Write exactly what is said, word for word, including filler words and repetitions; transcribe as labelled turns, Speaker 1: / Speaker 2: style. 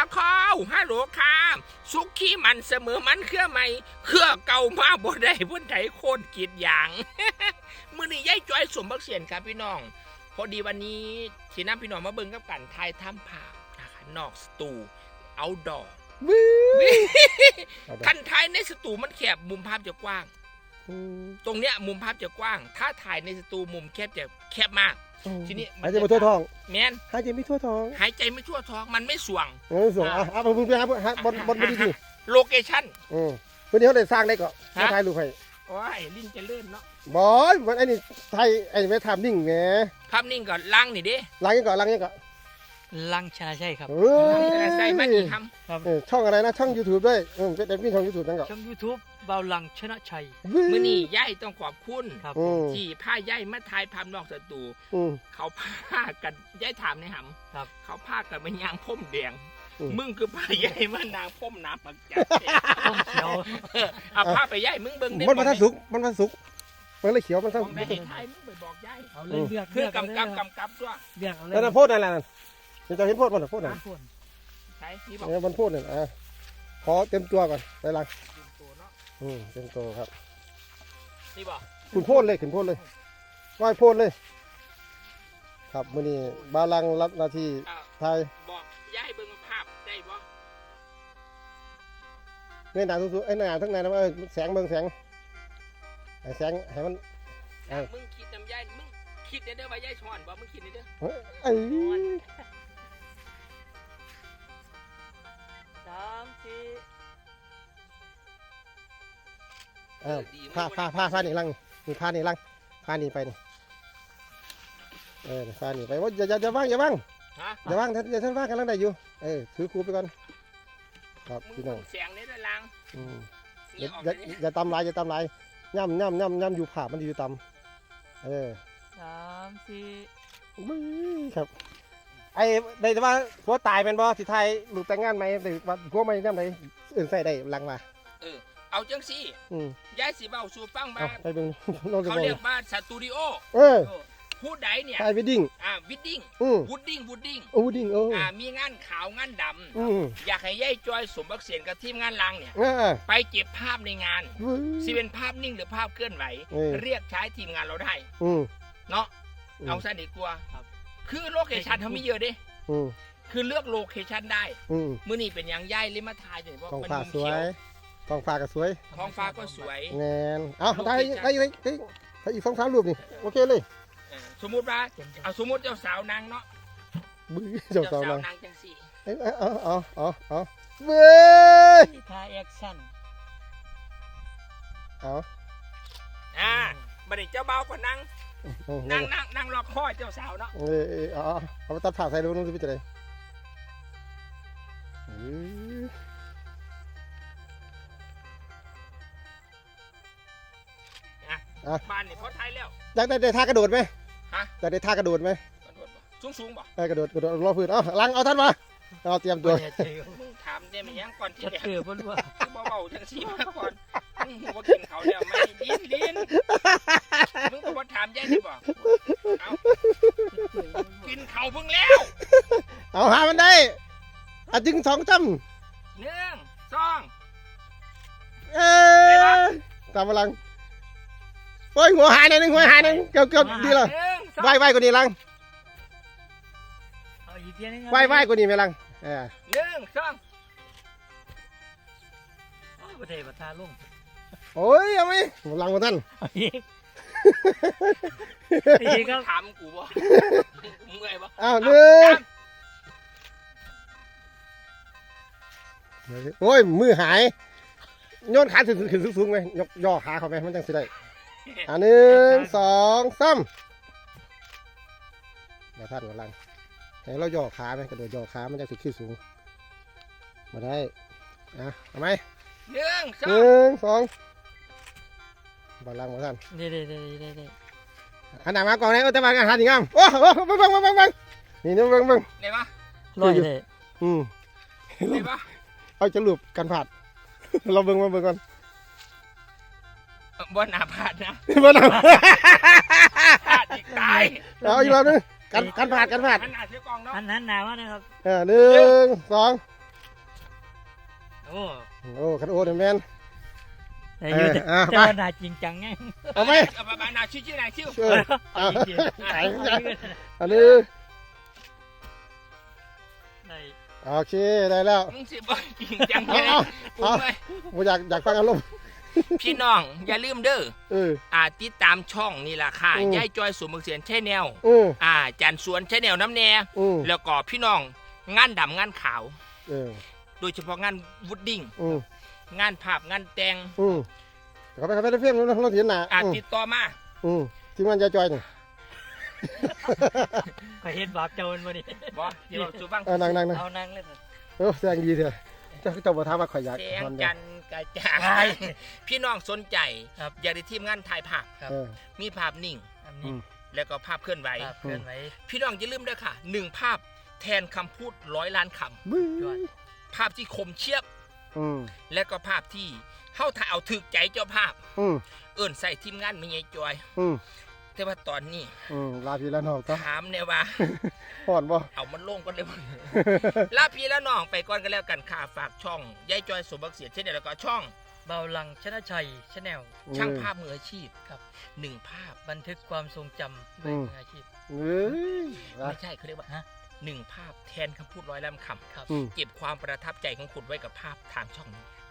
Speaker 1: ละครฮัลโหลค่ะสุกี้มันเสมอมันเครือใหม่เครือเก่ามาบ่ได้พุ่นไถโค่นกีดอย่าง มื้อนี้ยายจ้อยสมบักเสียนครับพี่น้องพอดีวันนี้ที่นำพี่น้องมาเบิ่งกับกันทายถ้ำผานะคะนอกสตูเอาดอกคันถ่ายในสตูมันแคบมุมภาพจะกว้างตรงเนี้ยมุมภาพจะกว้างถ้าถ่ายในสตูมุมแคบจะแคบมากทีนี้
Speaker 2: หายใจไม่ทั่วท้อง
Speaker 1: แมน
Speaker 2: หายใจไม่ทั่วท้อง
Speaker 1: หายใจไม่ทั่วท้องมันไม่สวง
Speaker 2: เออสวงอ่ะอ่ะเพิ่งไปหาหาบอลบอลไม่ดีดิ
Speaker 1: โลเคชั่น
Speaker 2: อืมวันนี้เขาได้สร้างได้ก็มาถ่ายรูปให้
Speaker 1: โอ้ยลิ้นจะเลื่อนเนาะ
Speaker 2: บอยมันไอ้นี่ไทยไอ้ไม่ทำนิ่งไง
Speaker 1: ภาพนิ่งก่อนล้างนี่ดิ
Speaker 2: ล้างยังก่อนล้างยังก่อน
Speaker 3: ลังชนะใช่ครับ
Speaker 1: ชนะใช่มันอีกค
Speaker 2: ำช่องอะไรนะช่อง YouTube ด้วยเออเป็นพี่ช่อง YouTube นั่นก็
Speaker 3: ช่อง YouTube เบาลังชนะชัย
Speaker 1: มื้อนี้ย่ายต้องขอบคุณที่พาย่ายมาถ่ายภาพนอกสตูเขาพากันย่ายถามในหำครับเขาพากันมายางพ่มแดงมึงคือพาย่ายมานางพ่มน้ำปักจัด
Speaker 3: พ่มเขียว
Speaker 1: เอาพาไปย่ายมึงเบิ่ง
Speaker 2: มันมันทันสุกมันทันสุกมันเลยเขียวมันทัน
Speaker 1: ไม่ให้ถ่ายมึงไปบอกย่าย
Speaker 3: เอาเลยเลือก
Speaker 1: เพื่อกำกับกำกับด้วย
Speaker 3: เลือกเอาเลย
Speaker 2: แล้วโพดอะไรนั่นจะเห็นโพดมันหรอโพดไหน
Speaker 1: ใช่นี่บอก
Speaker 2: เนี่ยมันโพดเนี่ยอ่ะขอเต็มตัวก่อนไปลังอืมเต็มตัวครับ
Speaker 1: นี่บอก
Speaker 2: ขุนโพดเลยขุนโพดเลยว่ายโพดเลยครับมื้อนี้บาลังรับหน้าที่ไทย
Speaker 1: บอกย่ายเบิ่งภาพได้บ่
Speaker 2: เงยหน้าสูงๆไอ้หน้าทั้งในนะว่าแสงเบิ่งแสงไอ้แสงให้มัน
Speaker 1: มึงคิดจำย่ายมึงคิดเด้อว่าย่ายช้อนบ่มึงคิดเด้อ
Speaker 2: ไอ้
Speaker 3: สามสี่
Speaker 2: เออผ้าผ้าผ้าผ้านี่ลังนี่ผ้านี่ลังผ้านี่ไปนี่เออผ้านี่ไปว่าอย่าอย่าอย่าว่างอย่าว่างอย่าว่างอย่าท่านว่างกันลังได้อยู่เออถือครูไปก่อนครับพี่น้อง
Speaker 1: เสียงนี้ด้วยลัง
Speaker 2: อย่าอย่าอย่าตำลายอย่าตำลายย่ำย่ำย่ำย่ำอยู่ผ่ามันอยู่ตำเออ
Speaker 3: สามสี่
Speaker 2: ครับไอ้ได้แต่ว่าผัวตายเป็นบ่สิไทยลูกแต่งงานไหมหรือว่าผัวไม่ย่ำไหนอื่นใส่ได้ลังมา
Speaker 1: เออเอาจังสิย้ายสีเบาสูฟังมาเขาเรียกบ้านสตูดิโอ
Speaker 2: เออ
Speaker 1: พูดใดเนี่ย
Speaker 2: ถ่ายวิดดิ้ง
Speaker 1: อ่าวิดดิ้งวูดดิ้งวูดดิ้ง
Speaker 2: วูดดิ้งเออ
Speaker 1: อ่ามีงานขาวงานดำอยากให้ย้ายจอยสมบักเสียนกับทีมงานลังเนี่ยไปเก็บภาพในงานสิเป็นภาพนิ่งหรือภาพเคลื่อนไหวเรียกใช้ทีมงานเราได้เนาะเอาซะดีกว่าคือโลเคชั่นเขามีเยอะดิคือเลือกโลเคชั่นได้มื้อนี้เป็นอย่างย่ายลิมาทายเลยเพราะมันมุมเขียว
Speaker 2: ท้องฟ้าก็สวย
Speaker 1: ท้องฟ้าก็สวย
Speaker 2: แน่นเอาได้ได้ได้ได้อีกสองสามรูปนี่โอเคเลย
Speaker 1: สมมุติว่าเอาสมมุติเจ้าสาวนางเนาะ
Speaker 2: บื้อเจ้าสาวนาง
Speaker 1: จังสี่
Speaker 2: เออเอาเอาเอาเอาเบ้ย
Speaker 3: ถ่ายแอคชั่น
Speaker 2: เอา
Speaker 1: อ่าบัดนี้เจ้าเบาก็นั่งนั่งนั่งนั่งรอคอยเจ้าสาวเนาะ
Speaker 2: เออเออเอาเอาไปตัดผ่าใส่ดูนู้นสิพี่จะได้
Speaker 1: บ้านนี่พอไทยแล้ว
Speaker 2: อยากได้ได้ท่ากระโดดไหม
Speaker 1: ฮะ
Speaker 2: อยากได้ท่ากระโดดไหม
Speaker 1: สูงสูงบ่
Speaker 2: เออกระโดดกระโดดรอพื้นเอาลังเอาท่านมาเราเตรียมตัว
Speaker 1: ถามได้ไหมยังก่อน
Speaker 3: จะเตือนเพื่อนว่า
Speaker 1: เบาๆจังสีมาก่อนมึงหัวกินเขาแล้วไม่ลิ้นลิ้นมึงก็ว่าถามยัยดีบ่เอากินเขาเพิ่งแล้ว
Speaker 2: เอาหามันได้อ่ะจึงสองจ
Speaker 1: ำหนึ่งสอง
Speaker 2: เอ๊ะตามพลังโอ้ยหัวหายหนึ่งหัวหายหนึ่งเกือบเกือบดีเลยไหวไหวกว่านี้ลังไหวไหวกว่านี้ไหมลังเออ
Speaker 1: หนึ่งสอง
Speaker 3: โอ้ยประเทศประทาลุ่ม
Speaker 2: โอ้ยเอาไหมลังมาท่าน
Speaker 1: อีกถามกูบ่เมื่อยบ่
Speaker 2: อ้าวหนึ่งโอ้ยมือหายโยนขาขึ้นขึ้นสูงๆไหมยกย่อขาเขาไหมมันจังสิได้อ่าหนึ่งสองสามมาท่านกำลังให้เราย่อขาไหมกระโดดย่อขามันจะถึงขึ้นสูงมาได้อ่ะทำไม
Speaker 1: หนึ่งสอง
Speaker 2: หนึ่งสองบอลลังมาท่าน
Speaker 3: เด้เด้เด้เด้เด้
Speaker 2: อันไหนมาก่อนเลยแต่บางอาหารดีงามโอ้โหบังบังบังบังบังนี่นี่บังบัง
Speaker 1: ไหนวะ
Speaker 3: ลอยเลย
Speaker 2: อืม
Speaker 1: ไหนวะ
Speaker 2: เอาจะหลุบกันผัดเราเบิ่งมาเบิ่งก่อน
Speaker 1: บ่หนาผาดนะ
Speaker 2: บ่หนา
Speaker 1: ผาดอีกตาย
Speaker 2: เอาอีกรอบนึงกันกันผาดกันผาด
Speaker 1: หันหน้าเสียกองเนาะ
Speaker 3: หันหันหน้ามานะครับ
Speaker 2: เออหนึ่งสอง
Speaker 3: โอ้
Speaker 2: โอ้คันโอ้เนี่ยแม่น
Speaker 3: แต่อยู่แต่
Speaker 2: เอออ่ะ
Speaker 3: แต่
Speaker 2: ไป
Speaker 3: ว่าน่าจริงจังไง
Speaker 2: เอาไหม
Speaker 1: เอาไปๆนาชื่อชื่อนายชื่อ
Speaker 2: เออ
Speaker 3: เอา
Speaker 2: เอา
Speaker 3: จริง
Speaker 2: ไหน
Speaker 3: ๆ
Speaker 2: ไหน
Speaker 3: เอาจริง
Speaker 2: อันนี้
Speaker 3: ๆได้
Speaker 2: โอเคได้แล้ว
Speaker 1: มึงสิบ่จริงจังแค่ไหน
Speaker 2: เอา
Speaker 1: กู
Speaker 2: เอา
Speaker 1: ไม่
Speaker 2: ผมอยากอยากฟังอารมณ์
Speaker 1: พี่น้องอย่าลืมเด้อ
Speaker 2: เออ
Speaker 1: อ่าติดตามช่องนี่ล่ะค่ะ
Speaker 2: อืม
Speaker 1: ยายจอยสมบักเสียนแช่แนว
Speaker 2: อืม
Speaker 1: อ่าจันสวนแช่แนวน้ำแน่
Speaker 2: อืม
Speaker 1: แล้วก็พี่น้องงานดำงานขาว
Speaker 2: เออ
Speaker 1: โดยเฉพาะงานวูดดิ้ง
Speaker 2: อืม
Speaker 1: งานภาพงานแต่ง
Speaker 2: อืมเขาไปเขาไปได้เฟี้ยงแล้วเราเห็นหน้า
Speaker 1: อ่า
Speaker 2: อืม
Speaker 1: ติดต่อมา
Speaker 2: อืมทีมงานยายจอยนี่
Speaker 3: ก็เห็นบาปเจ้ามันบ่นี่
Speaker 1: บ่เดี๋ยวเราสู่ฟัง
Speaker 2: เออนั่งนั่งนั่ง
Speaker 3: เอานั่งเล่นน่ะ
Speaker 2: เออแสดงดีเถอะเจ้าเจ้าบ่ถามว่าข่อยอยาก
Speaker 1: แสง
Speaker 2: นอน
Speaker 1: จั
Speaker 2: เด้อน
Speaker 1: ทร์กระจ่าง พี่น้องสนใจ
Speaker 3: ครับ
Speaker 1: อยากได้ทีมงานถ่ายภาพ
Speaker 3: ครับ
Speaker 2: เออ
Speaker 1: มีภาพนิ่ง
Speaker 3: อัน
Speaker 2: อื
Speaker 3: นี้
Speaker 2: ม
Speaker 1: แล้วก็ภาพเคลื่อนไหว
Speaker 3: ภาพเคลื่อนไหว
Speaker 1: พี่น้องอย่าลืมเด้อค่ะหนึ่งภาพแทนคำพูดร้อยล้านคำ
Speaker 2: บึ้
Speaker 3: ยอด
Speaker 2: ย
Speaker 1: ภาพที่คมเชียบ
Speaker 2: อืม
Speaker 1: และก็ภาพที่เฮาถ่ายเอาถึกใจเจ้าภาพ
Speaker 2: อืม
Speaker 1: เอิ้นใส่ทีมงานไม่ใหญ่จอย
Speaker 2: อืม
Speaker 1: แต่ว่าตอนนี้
Speaker 2: อืมลาพี่ละน้องก็
Speaker 1: ถามเนี่ยว่า
Speaker 2: ห่อนบ่
Speaker 1: เอามันลงก่อนเลยบ่ลาพี่แล้วน้องไปก่อนกันแล้วกันค่ะฝากช่องยายจอยสมบักเสียเช่นเดียวแล้วก็ช่อง
Speaker 3: เบาลังชนะชัยชาแนล
Speaker 1: ช่างภาพมืออาชีพ
Speaker 3: ครับ
Speaker 1: หนึ่งภาพ
Speaker 3: บันทึกความทรงจำด้วยมืออาชีพ
Speaker 2: เอ้ยนะ
Speaker 1: ไม่ใช่เขาเรียกว่า
Speaker 3: ฮะ
Speaker 1: หนึ่งภาพแทนคำพูดร้อยล้านค
Speaker 2: อืม
Speaker 1: ำเก็บความประทับใจของคุณไว้กับภาพทางช่องนี้